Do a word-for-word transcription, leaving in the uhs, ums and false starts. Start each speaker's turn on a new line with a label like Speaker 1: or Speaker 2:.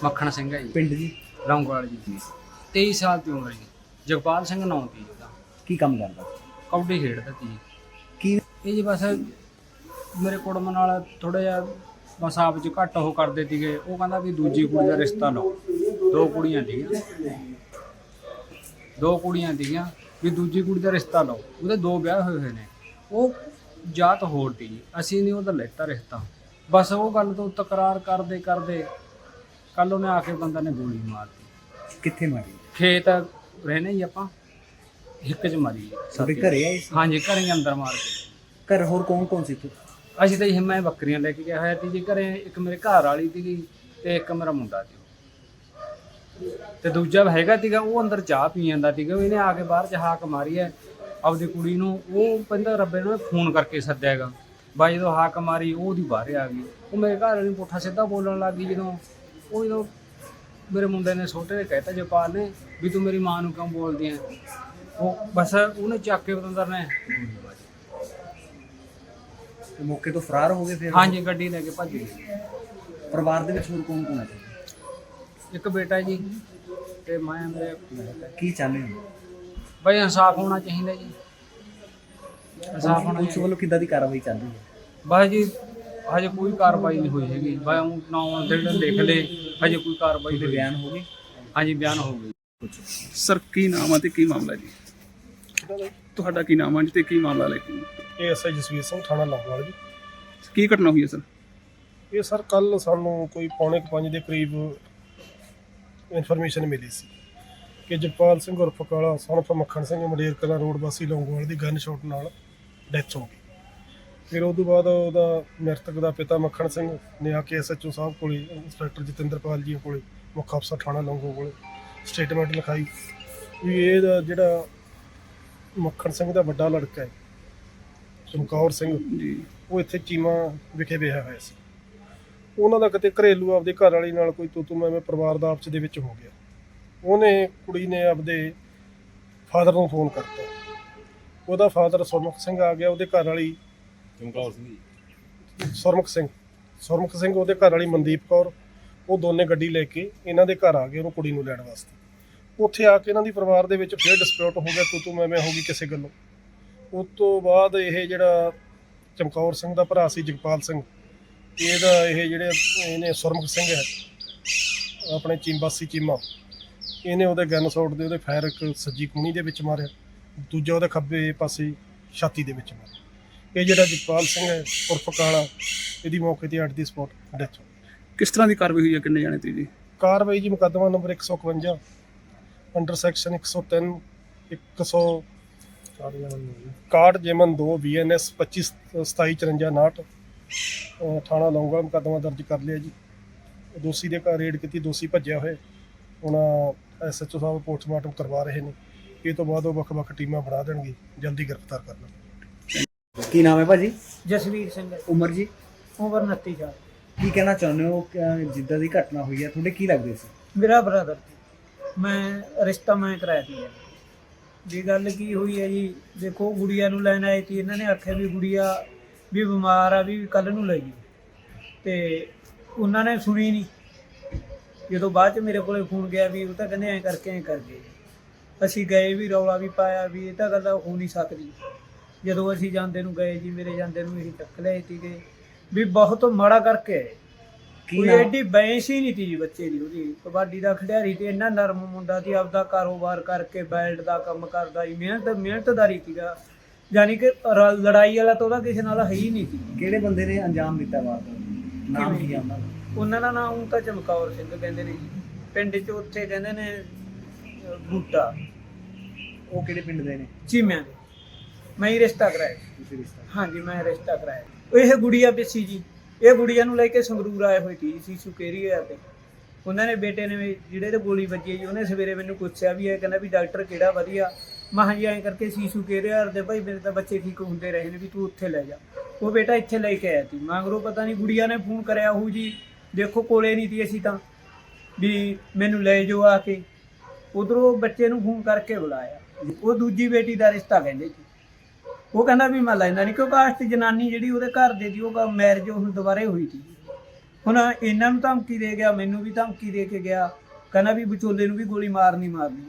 Speaker 1: ਮੱਖਣ ਸਿੰਘ ਹੈ ਜੀ।
Speaker 2: ਪਿੰਡ ਜੀ?
Speaker 1: ਲੌਂਗੋਵਾਲ ਜੀ। ਤੇਈ ਸਾਲ ਦੀ ਉਮਰ ਜੀ। ਜਗਪਾਲ ਸਿੰਘ ਨਾਂ ਸੀ ਉਹਦਾ।
Speaker 2: ਕੀ ਕੰਮ ਕਰਦਾ?
Speaker 1: ਕਬੱਡੀ ਖੇਡਦਾ ਸੀ ਜੀ।
Speaker 2: ਕੀ
Speaker 1: ਇਹ ਜੀ ਬਸ ਮੇਰੇ ਕੁੜਮ ਨਾਲ ਥੋੜ੍ਹਾ ਜਿਹਾ ਬਸ ਆਪ 'ਚ ਘੱਟ ਉਹ ਕਰਦੇ ਸੀਗੇ। ਉਹ ਕਹਿੰਦਾ ਵੀ ਦੂਜੀ ਕੁੜੀ ਦਾ ਰਿਸ਼ਤਾ ਲਓ। ਦੋ ਕੁੜੀਆਂ ਸੀਗੀਆਂ ਦੋ ਕੁੜੀਆਂ ਸੀਗੀਆਂ ਵੀ ਦੂਜੀ ਕੁੜੀ ਦਾ ਰਿਸ਼ਤਾ ਲਓ। ਉਹਦੇ ਦੋ ਵਿਆਹ ਹੋਏ ਹੋਏ ਨੇ। ਉਹ ਜਾਤ ਹੋਰ ਸੀ ਜੀ। ਅਸੀਂ ਨਹੀਂ ਉਹਦਾ ਲੈਤਾ ਰਿਸ਼ਤਾ। ਬਸ ਉਹ ਗੱਲ ਤੋਂ ਤਕਰਾਰ ਕਰਦੇ ਕਰਦੇ ਕੱਲ੍ਹ ਉਹਨੇ ਆ ਕੇ ਬੰਦਾ ਨੇ ਗੋਲੀ ਮਾਰਤੀ।
Speaker 2: ਕਿੱਥੇ ਮਾਰੀ?
Speaker 1: ਖੇਤ ਰਹਿੰਦੇ ਜੀ ਆਪਾਂ, ਹਿੱਕ 'ਚ ਮਾਰੀ ਜੀ।
Speaker 2: ਸਾਡੇ ਘਰੇ ਆਏ ਸੀ?
Speaker 1: ਹਾਂਜੀ, ਘਰੇ ਹੀ ਅੰਦਰ ਮਾਰ ਕੇ।
Speaker 2: ਘਰ ਹੋਰ ਕੌਣ ਕੌਣ ਸੀ ਤੂੰ?
Speaker 1: ਅਸੀਂ ਤਾਂ ਜੀ ਮੈਂ ਬੱਕਰੀਆਂ ਲੈ ਕੇ ਗਿਆ ਹੋਇਆ ਸੀ ਜੀ ਘਰੇ। ਇੱਕ ਮੇਰੇ ਘਰ ਵਾਲੀ ਸੀਗੀ ਅਤੇ ਇੱਕ ਮੇਰਾ ਮੁੰਡਾ ਸੀ। ਅਤੇ ਦੂਜਾ ਹੈਗਾ ਸੀਗਾ, ਉਹ ਅੰਦਰ ਚਾਹ ਪੀ ਜਾਂਦਾ ਸੀਗਾ। ਇਹਨੇ ਆ ਕੇ ਬਾਹਰ 'ਚ ਹਾਕ ਮਾਰੀ ਹੈ ਆਪਦੀ ਕੁੜੀ ਨੂੰ। ਉਹ ਕਹਿੰਦਾ ਰੱਬੇ ਨੂੰ ਫੋਨ ਕਰਕੇ ਸੱਦਿਆ ਹੈਗਾ। ਬਾਈ ਜਦੋਂ ਹਾਕ ਮਾਰੀ ਉਹ ਉਹਦੀ ਬਾਹਰ ਆ ਗਈ। ਉਹ ਮੇਰੇ ਘਰ ਵਾਲੀ ਨੂੰ ਪੁੱਠਾ ਸਿੱਧਾ ਬੋਲਣ ਲੱਗ ਗਈ। ਜਦੋਂ ਉਹ ਜਦੋਂ ਮੇਰੇ ਮੁੰਡੇ ਨੇ ਛੋਟੇ ਨੇ ਕਹਿਤਾ ਜਪਾਲ ਨੇ ਵੀ ਤੂੰ ਮੇਰੀ ਮਾਂ ਨੂੰ ਕਿਉਂ ਬੋਲਦੀ ਹੈ। ਉਹ ਬਸ ਉਹਨੇ ਚੱਕ ਕੇ ਬਤੰਦਰ ਨੇ
Speaker 2: ਤੇ ਮੌਕੇ ਤੋਂ ਫਰਾਰ ਹੋ ਗਏ ਫਿਰ?
Speaker 1: ਹਾਂਜੀ, ਗੱਡੀ ਲੈ ਕੇ ਭੱਜ ਗਈ।
Speaker 2: ਪਰਿਵਾਰ ਦੇ ਵਿੱਚ ਹੋਰ ਕੌਣ ਕੌਣ ਹੈ?
Speaker 1: ਇੱਕ ਬੇਟਾ ਜੀ ਤੇ ਮੈਂ ਮੇਰੇ।
Speaker 2: ਕੀ ਚਾਹੁੰਦੇ ਹੋ?
Speaker 1: ਬਈ ਇਨਸਾਫ ਹੋਣਾ ਚਾਹੀਦਾ ਜੀ। ਇਨਸਾਫ ਹੋਣਾ
Speaker 2: ਪੁਲਿਸ ਵੱਲੋਂ ਕਿੱਦਾਂ ਦੀ ਕਾਰਵਾਈ ਚੱਲ ਰਹੀ ਹੈ?
Speaker 1: ਬਸ ਜੀ ਹਜੇ ਕੋਈ ਕਾਰਵਾਈ ਨਹੀਂ ਹੋਈ ਹੈਗੀ। ਬਸ ਉਹ ਨਾਂ ਜਿਹੜੇ ਲਿਖ ਲਏ, ਹਜੇ ਕੋਈ ਕਾਰਵਾਈ
Speaker 2: ਤੇ
Speaker 1: ਹੋਈ।
Speaker 2: ਬਿਆਨ ਹੋ ਗਏ?
Speaker 1: ਹਾਂਜੀ, ਬਿਆਨ ਹੋ ਗਈ।
Speaker 3: ਸਰ ਕੀ ਨਾਮ ਆ ਤੇ ਕੀ ਮਾਮਲਾ ਜੀ? ਤੁਹਾਡਾ ਕੀ ਨਾਮ ਆ ਜੀ ਤੇ ਕੀ ਮਾਮਲਾ ਲੈ ਕੇ?
Speaker 4: ਇਹ ਐਸ ਆਈ ਜਸਵੀਰ ਸਿੰਘ, ਥਾਣਾ ਲੌਂਗੋਵਾਲ ਜੀ।
Speaker 3: ਕੀ ਘਟਨਾ ਹੋਈ ਹੈ ਸਰ?
Speaker 4: ਇਹ ਸਰ ਕੱਲ ਸਾਨੂੰ ਕੋਈ ਪੌਣੇ ਕੁ ਪੰਜ ਦੇ ਕਰੀਬ ਇਨਫੋਰਮੇਸ਼ਨ ਮਿਲੀ ਸੀ ਕਿ ਜਗਪਾਲ ਸਿੰਘ ਉਰਫ ਕਾਲਾ ਸਨ ਆਫ ਮੱਖਣ ਸਿੰਘ ਮੰਡੇਰ ਕਲਾਂ ਰੋਡ ਵਾਸੀ ਲੌਂਗੋਵਾਲ ਦੀ ਗਨ ਸ਼ਾਟ ਨਾਲ ਡੈਥ ਹੋ ਗਈ। ਫਿਰ ਉਸ ਤੋਂ ਬਾਅਦ ਉਹਦਾ ਮ੍ਰਿਤਕ ਦਾ ਪਿਤਾ ਮੱਖਣ ਸਿੰਘ ਨੇ ਆ ਕੇ ਐਸ ਐਚ ਓ ਸਾਹਿਬ ਕੋਲੇ, ਇੰਸਪੈਕਟਰ ਜਤਿੰਦਰਪਾਲ ਜੀ ਕੋਲੇ, ਮੁੱਖ ਅਫਸਰ ਥਾਣਾ ਲੌਂਗੋ ਕੋਲੇ ਸਟੇਟਮੈਂਟ ਲਿਖਾਈ ਵੀ ਇਹ ਜਿਹੜਾ ਮੱਖਣ ਸਿੰਘ ਦਾ ਵੱਡਾ ਲੜਕਾ ਹੈ ਚਮਕੌਰ ਸਿੰਘ
Speaker 3: ਜੀ,
Speaker 4: ਉਹ ਇੱਥੇ ਚੀਮਾ ਵਿਖੇ ਵਿਆਹਿਆ ਹੋਇਆ ਸੀ। ਉਹਨਾਂ ਦਾ ਕਿਤੇ ਘਰੇਲੂ ਆਪਦੇ ਘਰ ਵਾਲੀ ਨਾਲ ਕੋਈ ਤੂੰ ਤੂੰ ਮੈਂ ਮੈਂ ਪਰਿਵਾਰ ਦਾ ਆਪਸ ਦੇ ਵਿੱਚ ਹੋ ਗਿਆ। ਉਹਨੇ ਕੁੜੀ ਨੇ ਆਪਦੇ ਫਾਦਰ ਨੂੰ ਫੋਨ ਕਰਤਾ। ਉਹਦਾ ਫਾਦਰ ਸੁਰਮੁਖ ਸਿੰਘ ਆ ਗਿਆ। ਉਹਦੇ ਘਰ ਵਾਲੀ ਚਮਕੌਰ ਸਿੰਘ ਸੁਰਮੁਖ ਸਿੰਘ ਸੁਰਮੁਖ ਸਿੰਘ ਉਹਦੇ ਘਰ ਵਾਲੀ ਮਨਦੀਪ ਕੌਰ, ਉਹ ਦੋਨੇ ਗੱਡੀ ਲੈ ਕੇ ਇਹਨਾਂ ਦੇ ਘਰ ਆ ਗਏ ਉਹਨੂੰ ਕੁੜੀ ਨੂੰ ਲੈਣ ਵਾਸਤੇ। ਉੱਥੇ ਆ ਕੇ ਇਹਨਾਂ ਦੀ ਪਰਿਵਾਰ ਦੇ ਵਿੱਚ ਫਿਰ ਡਿਸਪਿਊਟ ਹੋ ਗਿਆ, ਤੂੰ ਤੂੰ ਮੈਂ ਮੈਂ ਹੋ ਗਈ ਕਿਸੇ ਗੱਲੋਂ। ਉਸ ਤੋਂ ਬਾਅਦ ਇਹ ਜਿਹੜਾ ਚਮਕੌਰ ਸਿੰਘ ਦਾ ਭਰਾ ਸੀ ਜਗਪਾਲ ਸਿੰਘ, ਇਹਦਾ ਇਹ ਜਿਹੜੇ ਇਹਨੇ ਸੁਰਮੁਖ ਸਿੰਘ ਹੈ ਆਪਣੇ ਚੀਮਬਾਸੀ ਚੀਮਾ, ਇਹਨੇ ਉਹਦੇ ਗਨ ਸ਼ਾਟ ਦੇ ਉਹਦੇ ਫਾਇਰ ਇੱਕ ਸੱਜੀ ਕੂਣੀ ਦੇ ਵਿੱਚ ਮਾਰਿਆ, ਦੂਜਾ ਉਹਦੇ ਖੱਬੇ ਪਾਸੇ ਛਾਤੀ ਦੇ ਵਿੱਚ ਮਾਰਿਆ। ਇਹ ਜਿਹੜਾ ਜਗਪਾਲ ਸਿੰਘ ਹੈ ਉਰਫ ਕਾਲਾ, ਇਹਦੀ ਮੌਕੇ 'ਤੇ ਅੱਡ ਦੀ ਸਪੌਟ ਡੈਥ ਹੋ ਗਈ।
Speaker 3: ਕਿਸ ਤਰ੍ਹਾਂ ਦੀ ਕਾਰਵਾਈ ਹੋਈ ਹੈ? ਕਿੰਨੇ ਜਾਣੇ ਤੇ ਜੀ?
Speaker 4: ਕਾਰਵਾਈ ਜੀ ਮੁਕੱਦਮਾ ਨੰਬਰ ਇੱਕ ਸੌ ਇਕਵੰਜਾ ਅੰਡਰ ਸੈਕਸ਼ਨ ਇੱਕ ਸੌ ਤਿੰਨ ਇੱਕ ਸੌ ਇਕਾਹਠ ਜੇਮਨ ਦੋ ਬੀ ਐਨ ਐਸ ਪੱਚੀ ਸਤਾਈ ਚੁਰੰਜਾ ਉਨਾਹਠ ਥਾਣਾ ਲੌਂਗੋਵਾਲ ਮੁਕੱਦਮਾ ਦਰਜ ਕਰ ਲਿਆ ਜੀ। ਦੋਸ਼ੀ ਦੇ ਘਰ ਰੇਡ ਕੀਤੀ, ਦੋਸ਼ੀ ਭੱਜਿਆ ਹੋਇਆ। ਹੁਣ ਐਸ ਐਚ ਓ ਸਾਹਿਬ ਪੋਸਟਮਾਰਟਮ ਕਰਵਾ ਰਹੇ ਨੇ। ਇਹ ਤੋਂ ਬਾਅਦ ਉਹ ਵੱਖ ਵੱਖ ਟੀਮਾਂ ਬਣਾ ਦੇਣਗੇ, ਜਲਦੀ ਗ੍ਰਿਫਤਾਰ ਕਰਨਾ।
Speaker 2: ਕੀ ਨਾਮ ਹੈ ਭਾਜੀ?
Speaker 5: ਜਸਵੀਰ ਸਿੰਘ।
Speaker 2: ਉਮਰ ਜੀ?
Speaker 5: ਉਮਰ ਉਨੱਤੀ ਸਾਲ।
Speaker 2: ਕੀ ਕਹਿਣਾ ਚਾਹੁੰਦੇ ਹੋ ਕਿ ਜਿੱਦਾਂ ਦੀ ਘਟਨਾ ਹੋਈ ਹੈ ਤੁਹਾਡੇ ਕੀ ਲੱਗਦੇ ਸੀ?
Speaker 5: ਮੇਰਾ ਬ੍ਰਦਰ ਸੀ। ਮੈਂ ਰਿਸ਼ਤਾ ਮੈਂ ਕਰਾਇਆ ਸੀ ਜੀ। ਗੱਲ ਕੀ ਹੋਈ ਹੈ ਜੀ, ਦੇਖੋ ਗੁੜੀਆ ਨੂੰ ਲੈਣ ਆਏ ਸੀ। ਇਹਨਾਂ ਨੇ ਆਖਿਆ ਵੀ ਗੁੜੀਆ ਵੀ ਬਿਮਾਰ ਆ, ਵੀ ਕੱਲ੍ਹ ਨੂੰ ਲੈ ਜੀ। ਅਤੇ ਉਹਨਾਂ ਨੇ ਸੁਣੀ ਨਹੀਂ। ਜਦੋਂ ਬਾਅਦ 'ਚ ਮੇਰੇ ਕੋਲ ਫੋਨ ਗਿਆ ਵੀ ਉਹ ਤਾਂ ਕਹਿੰਦੇ ਐਂ ਕਰਕੇ ਐਂ ਕਰ ਗਏ। ਅਸੀਂ ਗਏ ਵੀ, ਰੌਲਾ ਵੀ ਪਾਇਆ ਵੀ ਇਹ ਤਾਂ ਗੱਲ ਹੋ ਨਹੀਂ ਸਕਦੀ। ਜਦੋਂ ਅਸੀਂ ਜਾਂਦੇ ਨੂੰ ਗਏ ਜੀ, ਮੇਰੇ ਜਾਂਦੇ ਨੂੰ ਇਹੀ ਚੱਕ ਲਿਆਏ ਸੀਗੇ ਵੀ ਬਹੁਤ ਮਾੜਾ ਕਰਕੇ ਆਏ। ਕੋਈ ਐਡੀ ਬੈਂਸ ਹੀ ਨਹੀਂ ਤੀ ਜੀ ਬੱਚੇ ਦੀ। ਉਹਦੀ ਕਬੱਡੀ ਦਾ ਖਿਡਾਰੀ ਤੇ ਇੰਨਾ ਨਰਮ ਮੁੰਡਾ ਸੀ, ਆਪਦਾ ਕਾਰੋਬਾਰ ਕਰਕੇ ਬੈਲਟ ਦਾ ਕੰਮ ਕਰਦਾ ਜੀ। ਮਿਹਨਤ ਮਿਹਨਤਦਾਰੀ ਸੀਗਾ, ਯਾਨੀ ਕਿ ਲੜਾਈ ਵਾਲਾ ਤਾਂ ਉਹਦਾ ਕਿਸੇ ਨਾਲ ਹੈ ਹੀ ਨਹੀਂ ਸੀ।
Speaker 2: ਕਿਹੜੇ ਬੰਦੇ ਨੇ ਅੰਜਾਮ ਦਿੱਤਾ ਵਾਰਦਾਤ? ਨਾਮ ਕੀ ਆ ਉਹਨਾਂ ਦਾ?
Speaker 5: ਉਹਨਾਂ ਦਾ ਨਾਮ ਉਹ ਤਾਂ ਚਮਕੌਰ ਸਿੰਘ ਕਹਿੰਦੇ ਨੇ ਜੀ। ਪਿੰਡ 'ਚ ਉੱਥੇ ਕਹਿੰਦੇ ਨੇ ਬੂਟਾ।
Speaker 2: ਉਹ ਕਿਹੜੇ ਪਿੰਡ ਦੇ ਨੇ?
Speaker 5: ਚੀਮਿਆਂ ਦੇ। ਮੈਂ ਹੀ ਰਿਸ਼ਤਾ ਕਰਾਇਆ।
Speaker 2: ਤੁਸੀਂ ਰਿਸ਼ਤਾ?
Speaker 5: ਹਾਂਜੀ, ਮੈਂ ਰਿਸ਼ਤਾ ਕਰਾਇਆ। ਇਹ ਗੁੜੀਆ ਪਿੱਛੀ ਜੀ, ਇਹ ਗੁੜੀਆ ਨੂੰ ਲੈ ਕੇ ਸੰਗਰੂਰ ਆਏ ਹੋਏ ਸੀ ਸੀਸੂ ਕੇਰੀਆ ਤੇ। ਉਹਨਾਂ ਨੇ ਬੇਟੇ ਨੇ ਜਿਹੜੇ ਤੇ ਗੋਲੀ ਵੱਜੀ ਜੀ, ਉਹਨੇ ਸਵੇਰੇ ਮੈਨੂੰ ਪੁੱਛਿਆ ਵੀ ਇਹ ਕਹਿੰਦਾ ਵੀ ਡਾਕਟਰ ਕਿਹੜਾ ਵਧੀਆ। ਮੈਂ ਹਾਂਜੀ ਐਂ ਕਰਕੇ ਸੀਸੂ ਕੇਰੀਆ ਦੇ ਭਾਈ ਮੇਰੇ ਤਾਂ ਬੱਚੇ ਠੀਕ ਹੁੰਦੇ ਰਹੇ ਨੇ, ਵੀ ਤੂੰ ਉੱਥੇ ਲੈ ਜਾ। ਉਹ ਬੇਟਾ ਇੱਥੇ ਲੈ ਕੇ ਆਇਆ ਸੀ। ਮਗਰੋਂ ਪਤਾ ਨਹੀਂ ਗੁੜੀਆ ਨੇ ਫੋਨ ਕਰਿਆ ਹੋਊ ਜੀ, ਦੇਖੋ ਕੋਲੇ ਨਹੀਂ ਸੀ ਅਸੀਂ ਤਾਂ, ਵੀ ਮੈਨੂੰ ਲੈ ਜਾਓ ਆ ਕੇ। ਉੱਧਰੋਂ ਬੱਚੇ ਨੂੰ ਫੋਨ ਕਰਕੇ ਬੁਲਾਇਆ। ਉਹ ਦੂਜੀ ਬੇਟੀ ਦਾ ਰਿਸ਼ਤਾ ਕਹਿੰਦੇ ਸੀ। ਉਹ ਕਹਿੰਦਾ ਵੀ ਮੈਂ ਲੈਂਦਾ ਨਹੀਂ, ਕਿਉਂਕਿ ਕਾਸਟ ਜਨਾਨੀ ਜਿਹੜੀ ਉਹਦੇ ਘਰ ਦੇ ਦੀ ਉਹ ਮੈਰਿਜ ਹੁਣ ਦੁਬਾਰੇ ਹੋਈ ਸੀ। ਹੁਣ ਇਹਨਾਂ ਨੂੰ ਧਮਕੀ ਦੇ ਗਿਆ, ਮੈਨੂੰ ਵੀ ਧਮਕੀ ਦੇ ਕੇ ਗਿਆ, ਕਹਿੰਦਾ ਵੀ ਵਿਚੋਲੇ ਨੂੰ ਵੀ ਗੋਲੀ ਮਾਰਨੀ ਮਾਰਨੀ।